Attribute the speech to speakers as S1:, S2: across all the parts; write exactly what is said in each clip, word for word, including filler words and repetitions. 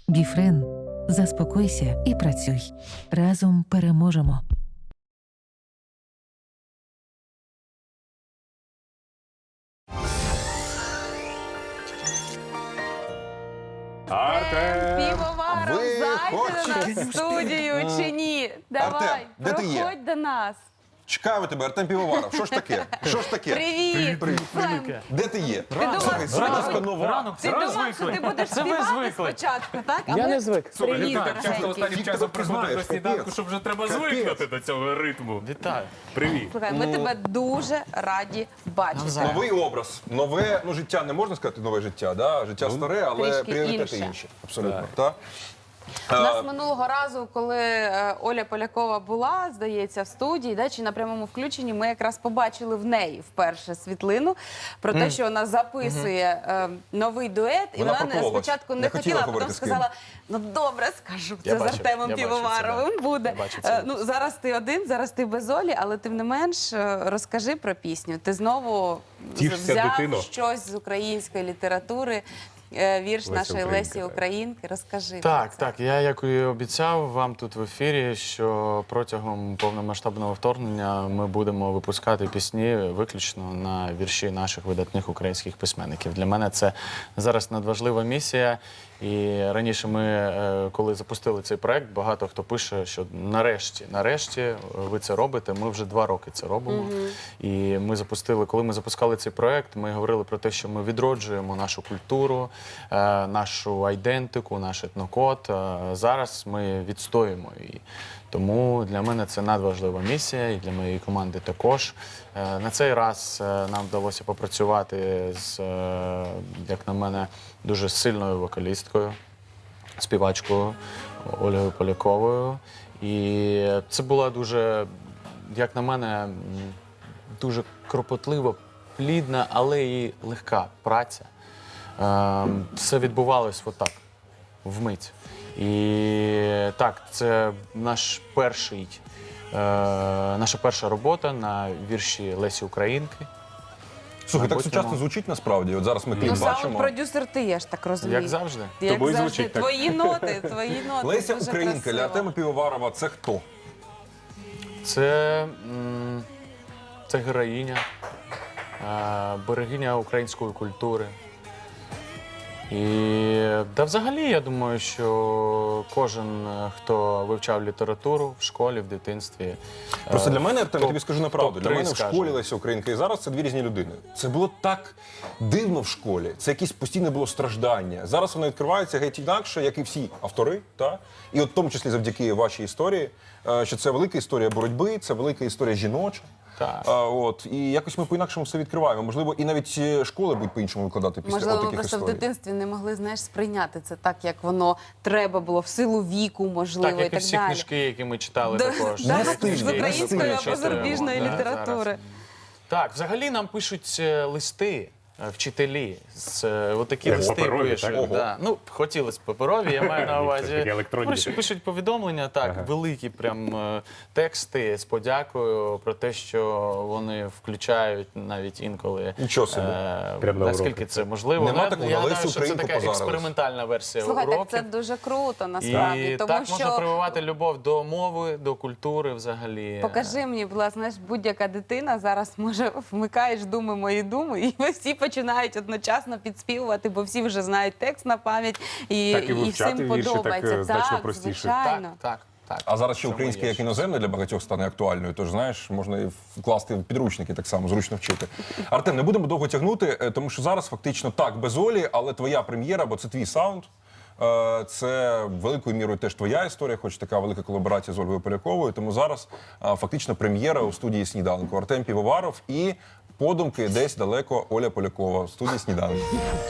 S1: Біфрен. Заспокойся і працюй. Разом переможемо.
S2: Артем!
S3: Півоваров,
S4: Ви
S3: зайди до
S4: хочете?
S3: нас в студію чи ні? Давай,
S4: Артем, де ти є?
S3: проходь до нас.
S4: Чекаю тебе, Артем Півоваров. Що ж таке? Що ж таке?
S3: Привіт! Слухай,
S4: Де ти є?
S3: думав,
S4: Слухай,
S3: що-
S4: Сидорська нова.
S5: Ранок,
S3: ти
S5: зразу
S3: думав, що ти
S5: звикли.
S3: будеш
S5: Це ви
S3: співати
S5: звикли.
S3: спочатку, так? А
S5: Я
S3: ми-
S5: не звик.
S2: Слухай,
S3: Привіт,
S2: ти так часто
S3: дорогенький.
S2: останнім
S4: Тільки
S2: часом
S4: ти
S2: приходиш
S4: знаєш,
S2: до сніданку,
S4: капець.
S2: що вже треба
S4: Капець.
S2: звикнути до цього ритму.
S5: Вітаю.
S2: Привіт.
S3: Слухай, ми тебе дуже раді бачити.
S5: Навзаєм.
S4: Новий образ, нове, ну життя не можна сказати нове життя, да? Життя старе, але
S3: трішки
S4: пріоритети
S3: інше.
S4: інші. Абсолютно. Так.
S3: У нас минулого разу, коли е, Оля Полякова була, здається, в студії, да, чи на прямому включенні, ми якраз побачили в неї вперше світлину про те, що вона записує е, новий дует, і
S4: Вона
S3: вона не,
S4: прокололась.
S3: спочатку не,
S4: Не хотіла
S3: хотіла, а потім
S4: говорити з ким.
S3: сказала, ну добре, скажу,
S5: Я
S3: це з
S5: бачив,
S3: Артемом
S5: я бачив це,
S3: Півоваровим
S5: да.
S3: буде.
S5: Я бачив це.
S3: Е, ну, зараз ти один, зараз ти без Олі, але тим не менш е, розкажи про пісню. Ти знову
S2: Тішся,
S3: взяв
S2: дитино.
S3: щось з української літератури, е, вірш
S2: Леся
S3: нашої
S2: Українка,
S3: Лесі
S2: так.
S3: Українки. Розкажи.
S5: Так,
S3: про це.
S5: так. Я, як і обіцяв вам тут в ефірі, що протягом повномасштабного вторгнення ми будемо випускати пісні виключно на вірші наших видатних українських письменників. Для мене це зараз надважлива місія. І раніше ми, е, коли запустили цей проект, багато хто пише, що нарешті, нарешті ви це робите. Ми вже два роки це робимо. І ми запустили, коли ми запускали цей проект, ми говорили про те, що ми відроджуємо нашу культуру, е, нашу айдентику, наш етнокод. Е, Зараз ми відстоїмо її. Тому для мене це надважлива місія, і для моєї команди також. Е, На цей раз е, нам вдалося попрацювати з, е, як на мене, дуже сильною вокалісткою, співачкою Ольгою Поляковою. І це була дуже, як на мене, м, дуже кропотлива, плідна, але і легка праця. Е, Все відбувалось отак, вмить. І так, це наш перший, е, наша перша робота на вірші Лесі Українки.
S4: Слухай, так
S5: Мабуть,
S4: сучасно
S5: нема.
S4: звучить насправді. От зараз ми кліп
S3: Ну, саме
S4: бачимо.
S3: продюсер ти, я ж так розумію.
S5: Як завжди.
S3: Як
S2: Тобою
S3: завжди,
S2: звучить так.
S3: твої ноти, твої ноти.
S4: Леся
S3: дуже
S4: Українка для
S3: красиво.
S4: Артема Півоварова це хто?
S5: Це, м, це героїня, е, берегиня української культури. І да, взагалі, я думаю, що кожен, е, хто вивчав літературу в школі, в дитинстві.
S4: Просто
S5: е,
S4: для мене, Артем, я
S5: топ-
S4: тобі скажу на правду, для
S5: топ-три,
S4: мене в
S5: скажімо.
S4: школі Леся Українка і зараз це дві різні людини. Це було так дивно в школі, це якесь постійне було страждання. Зараз воно відкривається геть інакше, як і всі автори, та? І от в тому числі завдяки вашій історії, е, що це велика історія боротьби, це велика історія жіноча.
S5: Так.
S4: А, от, і якось ми по-інакшому все відкриваємо. Можливо, і навіть е, школи будуть по-іншому викладати після
S3: Можливо,
S4: от
S3: ви
S4: таких
S3: просто в
S4: історій.
S3: дитинстві не могли, знаєш, сприйняти це так, як воно треба було, в силу віку, можливо,
S5: Так,
S3: і
S5: як і
S3: так
S5: всі
S3: далі.
S5: книжки, які ми читали
S3: Да,
S5: також.
S3: да,
S5: Ті
S3: з
S5: книжки, які ми
S3: української або
S5: читаємо,
S3: зарубіжної
S5: да,
S3: літератури.
S5: зараз. Так, взагалі нам пишуть е, листи. е, Вчителі з е, отакі
S2: Як
S5: листи
S2: паперові,
S5: пишуть.
S2: так?
S5: Да. Ну, хотілося б паперові, я маю на увазі.
S2: Такі електронні.
S5: Пишуть, пишуть повідомлення, так,
S2: Ага.
S5: великі прям е, тексти з подякою про те, що вони включають навіть інколи.
S4: Нічого собі.
S5: е,
S2: Прям на
S5: наскільки
S2: уроки.
S5: це можливо.
S4: Нема
S5: Я-
S4: такого,
S5: я
S4: на
S5: гадаю,
S4: Лесю
S5: що це
S4: Українку
S5: така
S4: позарились.
S5: експериментальна версія
S3: Слухай, так
S5: уроків.
S3: це дуже круто, насправді,
S5: І
S3: тому
S5: так
S3: що...
S5: можна прививати любов до мови, до культури взагалі.
S3: Покажи мені, будь ласка, знаєш, будь-яка дитина зараз може вмикаєш думи мої думи, і всі починають одночасно підспівувати, бо всі вже знають текст на пам'ять, і,
S2: Так і вивчати
S3: всім
S2: вірші так,
S3: подобається.
S2: е, значно
S3: Так,
S2: простіше.
S3: звичайно.
S5: Так, так, так.
S4: А зараз ще
S5: Цьому
S4: українське
S5: є
S4: як
S5: щось.
S4: іноземне для багатьох стане актуальною, тож знаєш, можна і вкласти в підручники так само, зручно вчити. Артем, не будемо довго тягнути, е, тому що зараз фактично так, без Олі, але твоя прем'єра, бо це твій саунд. Е, Це великою мірою теж твоя історія, хоч така велика колаборація з Ольгою Поляковою. Тому зараз е, фактично прем'єра у студії «Сніданку». Артем Півоваров і подумки десь далеко Оля Полякова в студії «Сніданку».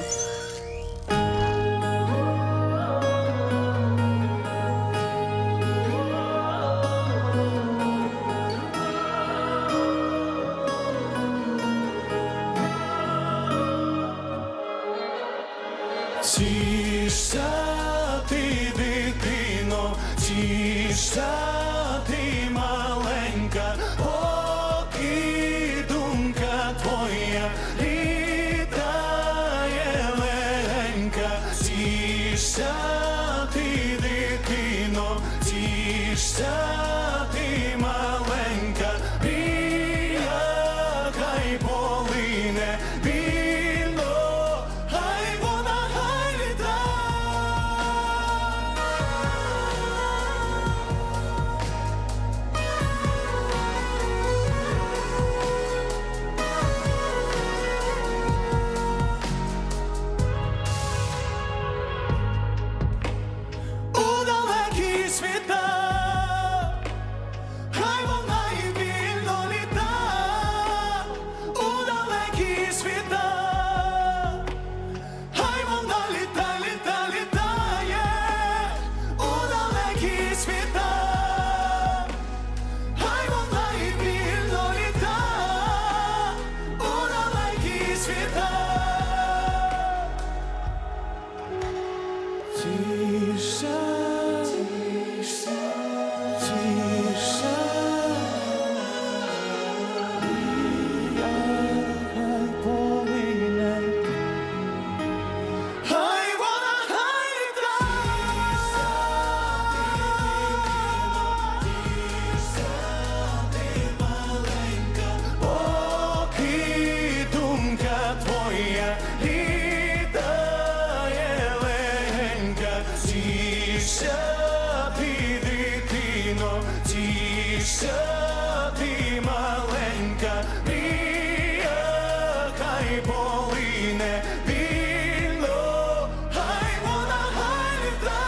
S6: Тішся ти, дитино, тішся ти, маленька, поки думка твоя літає легенька. Тішся тішся ти маленька, мрія хай полине вільно, хай вона хай літа. У далекі світа, хай вона і вільно літа. У далекі світа, хай вона літа, літа, літає. У далекі світа, хай вона і вільно літа. У далекі світа. Тиша, тиша, тиша, мрія хай полине, хай вона хай літа. Тиша, ти маленька, поки думка твоя літає легенька. Тішся ти, дитино, тішся ти маленька, мрія хай полине вільно, хай вона хай літа.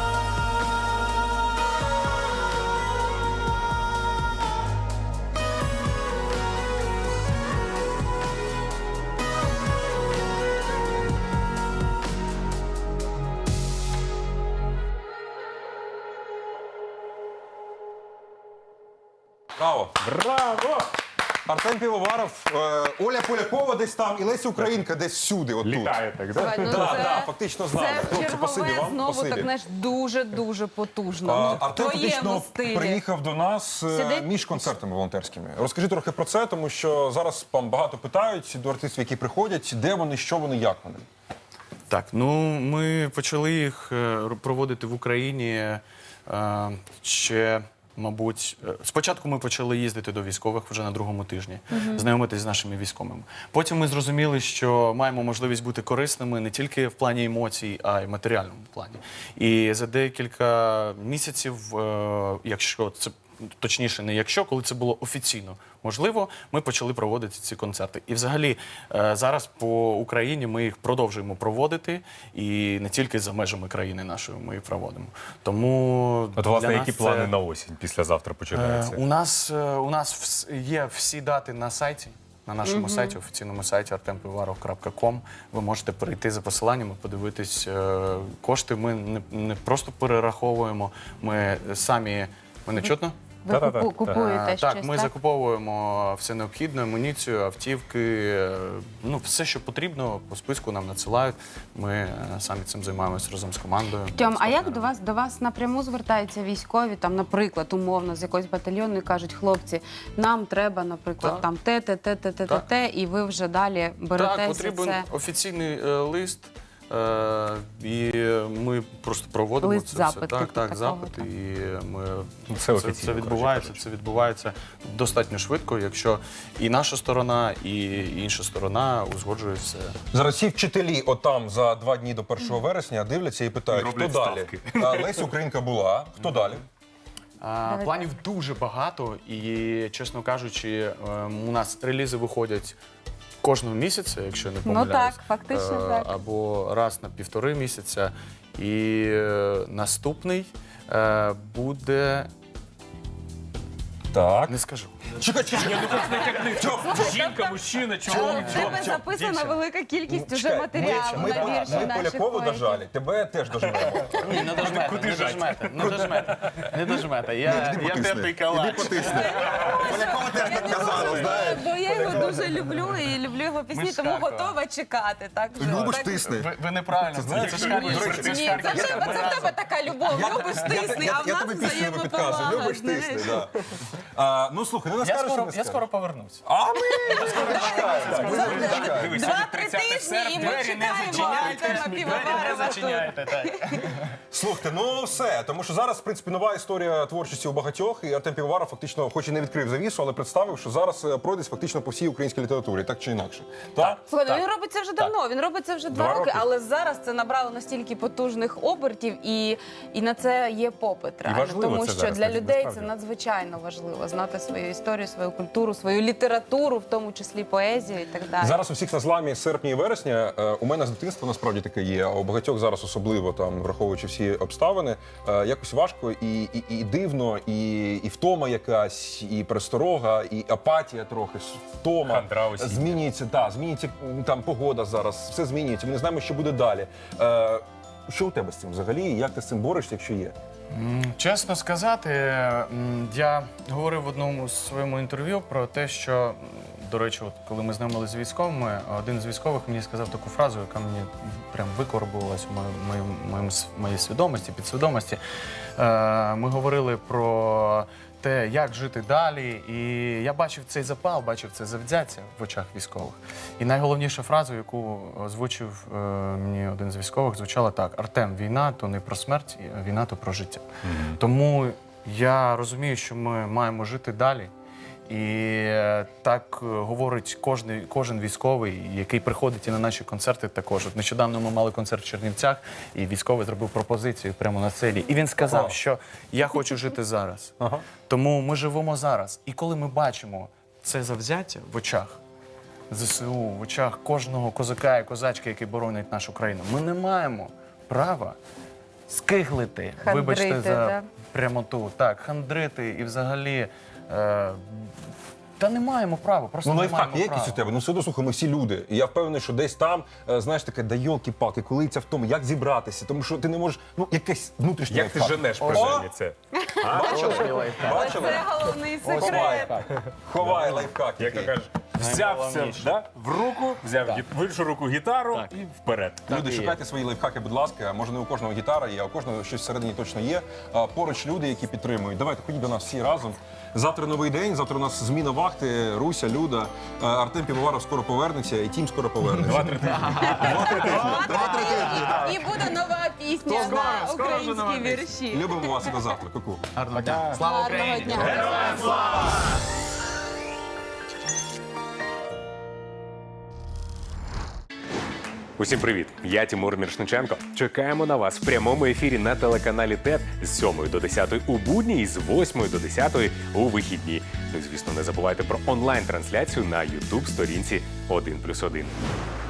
S4: Браво!
S2: Браво!
S4: Артем Півоваров, е, Оля Полякова десь там і Леся Українка десь всюди, отут.
S2: Літає так, да?
S3: Слухай, ну
S4: Да,
S3: це-
S4: да, фактично з нами.
S3: Це
S4: Хлопці, спасибі
S3: чергове
S4: вам,
S3: знову
S4: спасибі.
S3: так, знаєш, дуже-дуже потужно.
S4: А,
S3: Ну, в
S4: Артем
S3: твоєму
S4: фактично
S3: стилі.
S4: приїхав до нас е,
S3: Сидить?
S4: між концертами волонтерськими. Розкажи трохи про це, тому що зараз вам багато питають до артистів, які приходять, де вони, що вони, як вони.
S5: Так, ну ми почали їх е, проводити в Україні е, ще, мабуть, е, спочатку ми почали їздити до військових вже на другому тижні, знайомитись з нашими військовими. Потім ми зрозуміли, що маємо можливість бути корисними не тільки в плані емоцій, а й в матеріальному плані. І за декілька місяців, е, якщо це точніше, не якщо, коли це було офіційно можливо, ми почали проводити ці концерти. І взагалі е, зараз по Україні ми їх продовжуємо проводити, і не тільки за межами країни нашої ми їх проводимо. Тому
S2: От, власне,
S5: для
S2: які
S5: нас
S2: плани
S5: це,
S2: на осінь післязавтра
S5: е,
S2: починаються?
S5: у нас, е, у нас вс- є всі дати на сайті. На нашому сайті, офіційному сайті артем пивоваров крапка ком. Ви можете перейти за посиланням і подивитись е, кошти. Ми не, не просто перераховуємо, ми самі. Мене чутно?
S3: Ви
S2: Та-та-та.
S3: купу- купуєте
S5: Е,
S3: щось,
S5: Так, ми
S3: так?
S5: закуповуємо все необхідне, амуніцію, автівки, е, ну все, що потрібно, по списку нам надсилають. Ми е, самі цим займаємося разом з командою.
S3: Тьом,
S5: з
S3: а як
S5: партнерами.
S3: до вас до вас напряму звертаються військові, там, наприклад, умовно з якоїсь батальйону і кажуть, хлопці, нам треба, наприклад,
S5: Так.
S3: там те, те, те, те, те, те,
S5: Так.
S3: те, і ви вже далі
S5: Так,
S3: беретеся
S5: потрібен
S3: це.
S5: офіційний е, лист. Е, і ми просто проводимо
S3: Лист
S5: це
S3: запит,
S5: все. Так,
S3: типу
S5: так,
S3: такого,
S5: запит.
S3: так.
S5: І ми
S2: Ну, це
S5: це,
S2: офіційно,
S5: це
S2: коротше
S5: відбувається.
S2: кажучи.
S5: Це відбувається достатньо швидко, якщо і наша сторона, і інша сторона узгоджують все.
S4: Зараз всі вчителі отам за два дні до першого вересня дивляться і питають, хто
S2: Роблять
S4: далі.
S2: ставки.
S4: А, Леся Українка була, хто далі?
S5: А, планів дуже багато, і, чесно кажучи, ем, у нас релізи виходять кожного місяця, якщо не
S3: Ну
S5: помиляюсь.
S3: так, фактично
S5: Е,
S3: так.
S5: Або раз на півтори місяця. І е, наступний е, буде.
S4: Так.
S5: Не скажу.
S4: Чекай, чекай,
S2: Жінка, мужчина,
S3: Але
S2: чоловік.
S3: в тебе записана велика кількість уже
S4: чекай,
S3: матеріалу
S4: ми,
S3: на
S4: ми,
S3: вірші
S4: ми
S3: наших
S4: Полякову
S3: поетів.
S4: дожали, тебе теж дожмемо.
S5: Ні, не дожмете,
S2: Куди
S5: не
S2: жать?
S5: дожмете, не дожмете, не дожмете. Я, я тертий калач.
S4: Полякова теж так казала, знаєш.
S3: Бо я його дуже люблю і люблю його пісні,
S5: Ми з
S3: тому
S5: Харкова.
S3: готова чекати. Так, вже.
S4: Любиш,
S3: Так-
S4: тисни.
S5: Ви, ви неправильно, це, це ж Харків.
S4: До речі,
S5: Це ж
S3: Ні,
S5: Харків.
S3: це в тебе, це в тебе така любов. Любиш тисни, а в
S4: Я
S3: нас
S4: тобі пісню підказую,
S3: взаємоповага.
S4: любиш тисни, да. А, ну слухай, ну не
S5: Я
S4: скажеш,
S5: скоро,
S4: що не
S5: я
S4: скажеш.
S5: скоро повернусь.
S4: А ми скоро чекаємо. Ми завжди чекаємо.
S2: Дивись,
S3: Два-три
S2: тридцяте
S3: тижні, і ми
S2: серпня.
S3: чекаємо
S5: Зачиняйте,
S3: Артема
S5: двері не
S3: Півоварова тут.
S5: зачиняйте. Так.
S4: Слухайте, ну все, тому що зараз, в принципі, нова історія творчості у багатьох, і Артем Півоваров фактично, хоч і не відкрив завісу, але представив, що зараз е, пройдеться фактично по всій українській літературі, так чи інакше. Так?
S3: Слухай,
S4: Так.
S3: він робить це вже давно. Він робить це вже два,
S4: Два
S3: роки,
S4: роки.
S3: але зараз це набрало настільки потужних обертів, і, і на це є попит. Реально.
S2: важливо
S3: Тому
S2: це
S3: що
S2: зараз,
S3: для
S2: так,
S3: людей це
S2: насправді.
S3: надзвичайно важливо знати свою історію, свою культуру, свою літературу, в тому числі поезію і так далі.
S4: Зараз у всіх на зламі серпня і вересня. Е, У мене з дитинства насправді таке є, а у багатьох зараз особливо, там, враховуючи всі обставини, е, якось важко і, і, і дивно, і, і втома якась, і пересторога, і апатія трохи, втома.
S2: Хандра осіння.
S4: Змінюється, та, змінюється м, там погода зараз, все змінюється, ми не знаємо, що буде далі. Е, Що у тебе з цим взагалі? Як ти з цим борешся, якщо є?
S5: М, Чесно сказати, м, я говорив в одному з своєму інтерв'ю про те, що, м, до речі, от коли ми знайомилися з військовими, один з військових мені сказав таку фразу, яка мені прям викорбувалась у моїй- моїм- моїм с- моїй свідомості, підсвідомості. Е, Ми говорили про те, як жити далі, і я бачив цей запал, бачив це завзяття в очах військових. І найголовніша фраза, яку озвучив е, мені один з військових, звучала так: Артем, війна то не про смерть, війна то про життя. Тому я розумію, що ми маємо жити далі. І е, так е, говорить кожен, кожен військовий, який приходить і на наші концерти також. От нещодавно ми мали концерт в Чернівцях, і військовий зробив пропозицію прямо на сцені. І він сказав, що я хочу жити зараз.
S4: Ага.
S5: Тому ми живемо зараз. І коли ми бачимо це завзяття в очах ЗСУ, в очах кожного козака і козачки, які боронять нашу країну, ми не маємо права скиглити, вибачте
S3: Хандрити,
S5: за
S3: да?
S5: прямоту, так, хандрити і взагалі. Е, та не маємо права, просто
S4: Ну,
S5: не
S4: лайфхак
S5: маємо
S4: є
S5: права.
S4: якийсь у тебе? Ну, все одно, слухай, ми всі люди. І я впевнений, що десь там, е, знаєш, таке, да йолки-палки, коли це в тому, як зібратися, тому що ти не можеш, ну, якесь внутрішнє
S2: Як ти
S4: лайфхак.
S2: женеш
S4: О!
S2: принаймні це?
S4: Бачили? Бачили?
S3: Це головний
S4: Ховай,
S3: секрет.
S4: ховай лайфхак.
S2: Як то
S4: який.
S2: кажеш, взявся
S5: Найголовніше.
S2: да, в руку, взяв гі- в іншу руку гітару і вперед.
S4: Люди,
S5: і є.
S4: шукайте свої лайфхаки, будь ласка. Може, не у кожного гітара є, а у кожного щось всередині точно є. А поруч люди, які підтримують. Давайте, ходіть до нас всі разом. Завтра новий день, завтра у нас зміна вахти, Руся, Люда, е, Артем Півоваров скоро повернеться, і Тім скоро повернеться.
S2: Два-три тижні.
S4: Два-три тижні. Два-три тижні.
S3: І буде нова пісня
S5: скоро,
S3: на
S5: скоро вже нова
S3: українські
S5: пісня.
S3: вірші.
S4: Любимо вас і до завтра. Ку-ку.
S5: Гарного дня. Слава
S3: Гарного
S5: Україні!
S3: дня.
S7: Усім привіт! Я Тимур Міршниченко. Чекаємо на вас в прямому ефірі на телеканалі ТЕТ з сьомої до десятої у будні і з восьмої до десятої у вихідні. Ну і звісно, не забувайте про онлайн-трансляцію на ютуб сторінці один плюс один.